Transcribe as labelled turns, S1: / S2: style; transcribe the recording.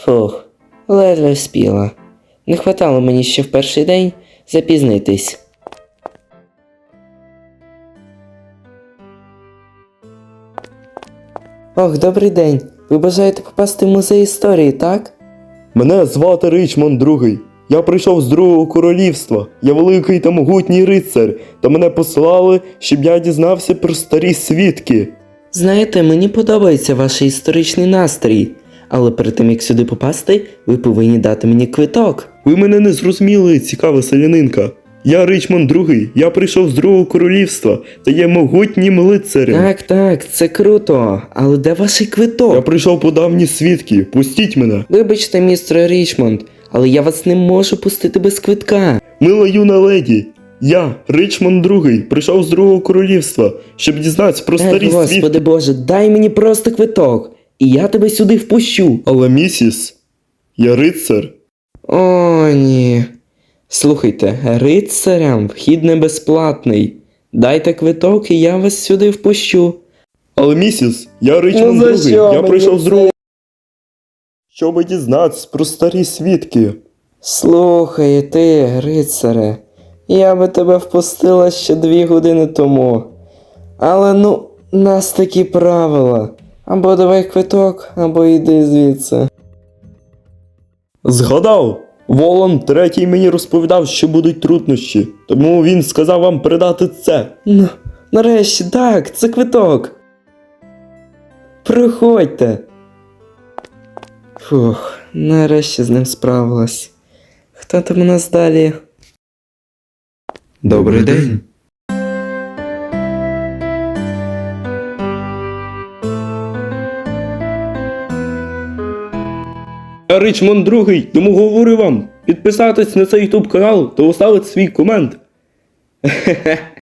S1: Фух, ледве вспіла. Не хватало мені ще в перший день запізнитись. Ох, добрий день. Ви бажаєте попасти в музей історії, так?
S2: Мене звати Ричмонд Другий. Я прийшов з Другого королівства. Я великий та могутній рицар, та мене послали, щоб я дізнався про старі свідки.
S1: Знаєте, мені подобається ваш історичний настрій, але перед тим як сюди попасти, ви повинні дати мені квиток.
S2: Ви мене не зрозуміли, цікава селянинка. Я Ричмонд Другий, я прийшов з Другого королівства та є могутнім лицарем.
S1: Так, це круто, але де ваш квиток?
S2: Я прийшов по давні свідки, пустіть мене.
S1: Вибачте, містер Річмонд, але я вас не можу пустити без квитка.
S2: Мила юна леді, я, Ричмонд Другий, прийшов з Другого королівства, щоб дізнатися про старі свідки.
S1: Господи Боже, дай мені просто квиток, і я тебе сюди впущу.
S2: Але місіс, я рицар.
S1: О, ні. Слухайте, рицарям вхід не безплатний. Дайте квиток, і я вас сюди впущу.
S2: Але місіс, я Ричмонд
S1: за
S2: Другий,
S1: що
S2: я
S1: мені
S2: прийшов з
S1: це?
S2: Другого. Щоб дізнатися про старі свідки.
S1: Слухай, ти, рицаре, я би тебе впустила ще 2 години тому. Але нас такі правила. Або давай квиток, або йди звідси.
S2: Згадав! Волан третій мені розповідав, що будуть труднощі, тому він сказав вам передати це.
S1: Нарешті, так, це квиток. Проходьте. Фух, нарешті з ним справилась. Хто там у нас далі?
S2: Добрий день. Я Ричмонд Другий, тому говорю вам, підписатись на цей YouTube канал та оставити свій комент.